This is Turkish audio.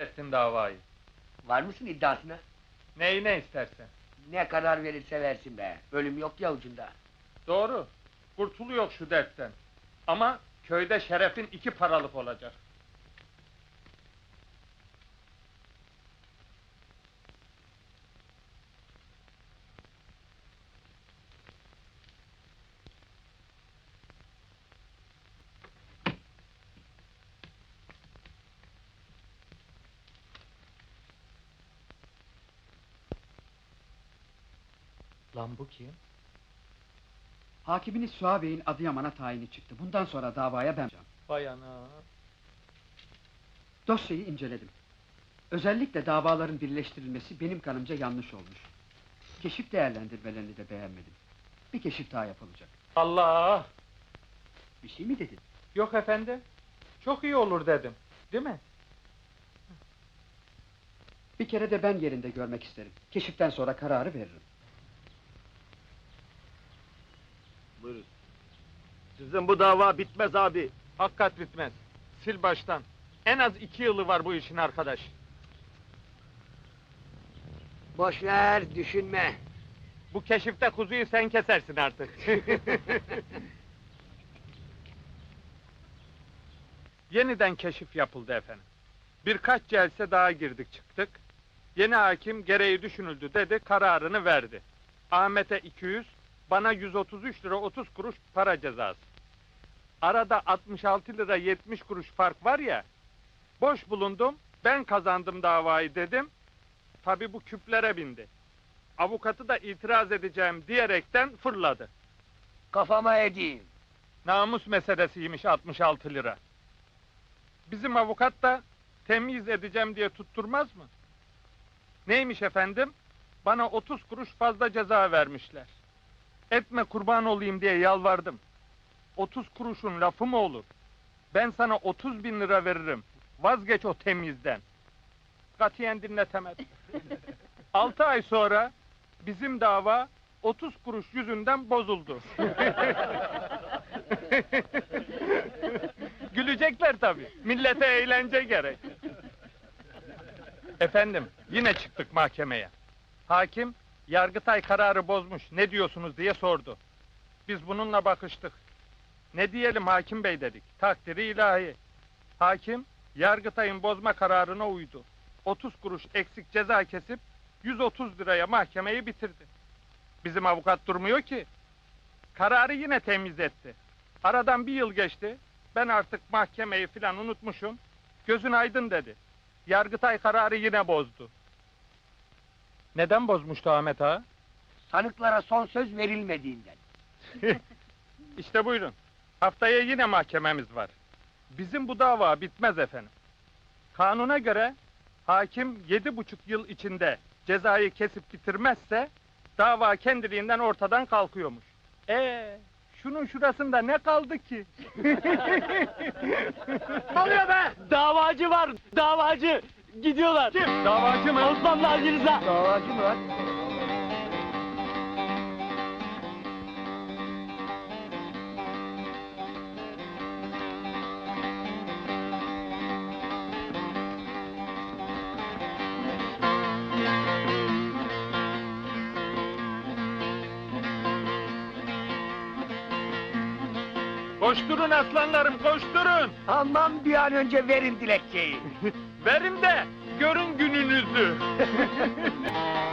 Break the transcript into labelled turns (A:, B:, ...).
A: ettin davayı.
B: Var mısın iddiasına?
A: Neyine istersen.
B: Ne karar verirse versin be. Ölüm yok ya ucunda.
A: Doğru. Kurtuluyor şu dertten. Ama köyde şerefin 2 paralık olacak. Lan bu kim?
C: Hakiminiz Suha Bey'in Adıyaman'a tayini çıktı. Bundan sonra davaya ben yapacağım.
A: Vay ana.
C: Dosyayı inceledim. Özellikle davaların birleştirilmesi benim kanımca yanlış olmuş. Keşif değerlendirmelerini de beğenmedim. Bir keşif daha yapılacak.
A: Allah!
C: Bir şey mi dedin?
A: Yok efendim. Çok iyi olur dedim. Değil mi?
C: Bir kere de ben yerinde görmek isterim. Keşiften sonra kararı veririm.
D: Buyurun. Sizin bu dava bitmez abi.
A: Hakikat bitmez. Sil baştan. En az 2 yılı var bu işin arkadaş.
B: Boş ver, düşünme.
A: Bu keşifte kuzuyu sen kesersin artık. Yeniden keşif yapıldı efendim. Birkaç celse daha girdik çıktık. Yeni hakim gereği düşünüldü dedi, kararını verdi. Ahmet'e 200, bana 133 lira 30 kuruş para cezası. Arada 66 lira 70 kuruş fark var ya, boş bulundum, ben kazandım davayı dedim. Tabii bu küplere bindi. Avukatı da itiraz edeceğim diyerekten fırladı.
B: Kafama edeyim.
A: Namus meselesiymiş 66 lira. Bizim avukat da temyiz edeceğim diye tutturmaz mı? Neymiş efendim? Bana 30 kuruş fazla ceza vermişler. Etme kurban olayım diye yalvardım. 30 kuruşun lafı mı olur? Ben sana 30 bin lira veririm. Vazgeç o temyizden. Katiyen dinletemedim. 6 ay sonra bizim dava 30 kuruş yüzünden bozuldu. Gülecekler tabii. Millete eğlence gerek. Efendim, yine çıktık mahkemeye. Hakim, Yargıtay kararı bozmuş, ne diyorsunuz diye sordu. Biz bununla bakıştık. Ne diyelim hakim bey dedik, takdiri ilahi. Hakim, Yargıtay'ın bozma kararına uydu. 30 kuruş eksik ceza kesip 130 liraya mahkemeyi bitirdi. Bizim avukat durmuyor ki. Kararı yine temiz etti. Aradan 1 yıl geçti. Ben artık mahkemeyi filan unutmuşum. Gözün aydın dedi. Yargıtay kararı yine bozdu. Neden bozmuştu Ahmet ağa?
B: Sanıklara son söz verilmediğinden.
A: İşte buyurun. Haftaya yine mahkememiz var. Bizim bu dava bitmez efendim. Kanuna göre hakim 7,5 yıl içinde cezayı kesip bitirmezse dava kendiliğinden ortadan kalkıyormuş. Şunun şurasında ne kaldı ki?
D: Ne oluyor be?
E: Davacı var, davacı! Gidiyorlar!
A: Kim? Davacı mı?
E: Osmanlı Ali Rıza!
B: Davacı mı var?
A: Koşturun aslanlarım, koşturun!
B: Aman bir an önce verin dilekçeyi.
A: Verin de görün gününüzü!